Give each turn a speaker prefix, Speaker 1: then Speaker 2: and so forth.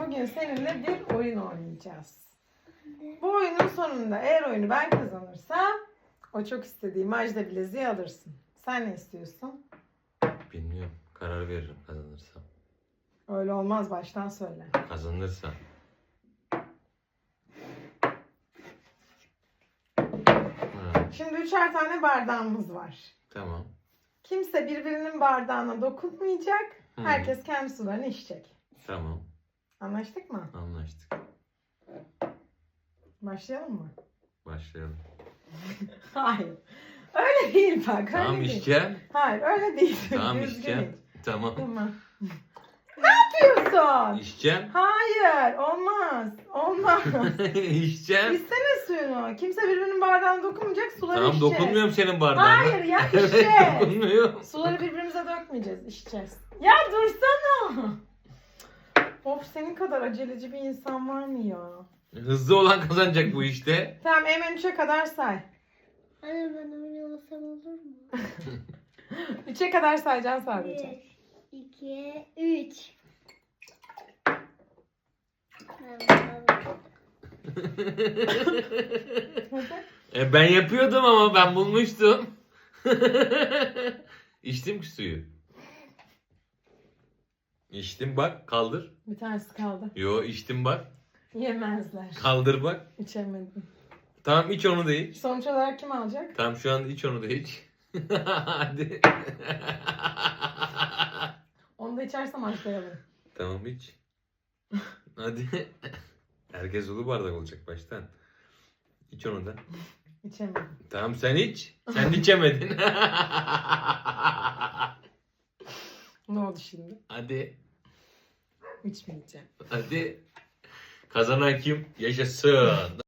Speaker 1: bugün seninle bir oyun oynayacağız. Bu oyunun sonunda eğer oyunu ben kazanırsam o çok istediği Majda bileziği alırsın. Sen ne istiyorsun?
Speaker 2: Bilmiyorum. Karar veririm kazanırsam.
Speaker 1: Öyle olmaz, baştan söyle.
Speaker 2: Kazanırsam. Ha,
Speaker 1: Şimdi üçer tane bardağımız var.
Speaker 2: tamam.
Speaker 1: Kimse birbirinin bardağına dokunmayacak.
Speaker 2: Hı.
Speaker 1: Herkes kendi sularını içecek.
Speaker 2: Tamam.
Speaker 1: Anlaştık mı?
Speaker 2: Anlaştık.
Speaker 1: Başlayalım mı?
Speaker 2: Başlayalım.
Speaker 1: Hayır. Öyle değil bak.
Speaker 2: Tamam
Speaker 1: öyle değil.
Speaker 2: içeceğim.
Speaker 1: Hayır öyle değil.
Speaker 2: Tamam
Speaker 1: Düzgün
Speaker 2: içeceğim.
Speaker 1: iç.
Speaker 2: Tamam.
Speaker 1: Tamam. Ne yapıyorsun?
Speaker 2: İçeceğim.
Speaker 1: Hayır. Olmaz. Olmaz.
Speaker 2: İçeceğim.
Speaker 1: İçsene suyunu. Kimse birbirinin bardağına dokunmayacak. Suları
Speaker 2: Tamam
Speaker 1: içeceğiz.
Speaker 2: dokunmuyorum senin bardağına.
Speaker 1: Hayır ya,
Speaker 2: Evet,
Speaker 1: içeceğiz.
Speaker 2: dokunmuyorum.
Speaker 1: Suları birbirimize dökmeyeceğiz. İçeceğiz. Ya dursana. Of, senin kadar aceleci bir insan var mı ya?
Speaker 2: Hızlı olan kazanacak bu işte.
Speaker 1: Tamam, hemen 3'e kadar say.
Speaker 3: Anne ben oynasam olur mu?
Speaker 1: 3'e kadar sayacaksın sadece.
Speaker 3: 1, 2, 3.
Speaker 2: Ben yapıyordum ama ben bulmuştum. İçtim ki suyu. İçtim bak kaldır.
Speaker 1: Bir tanesi kaldı.
Speaker 2: Yo içtim bak.
Speaker 1: Yemezler.
Speaker 2: Kaldır bak.
Speaker 1: İçemedim.
Speaker 2: Tamam iç onu da iç.
Speaker 1: Sonuç olarak kim alacak?
Speaker 2: Tamam şu an iç onu da iç. Hadi.
Speaker 1: Onu da içersem başlayalım.
Speaker 2: Tamam iç. Hadi. Herkes dolu bardak olacak baştan. İç onu da.
Speaker 1: İçemedim.
Speaker 2: Tamam sen iç. Sen içemedin.
Speaker 1: Ne oldu şimdi?
Speaker 2: Hadi.
Speaker 1: İçmeyeceğim.
Speaker 2: Hadi. Kazanan kim? Yaşasın.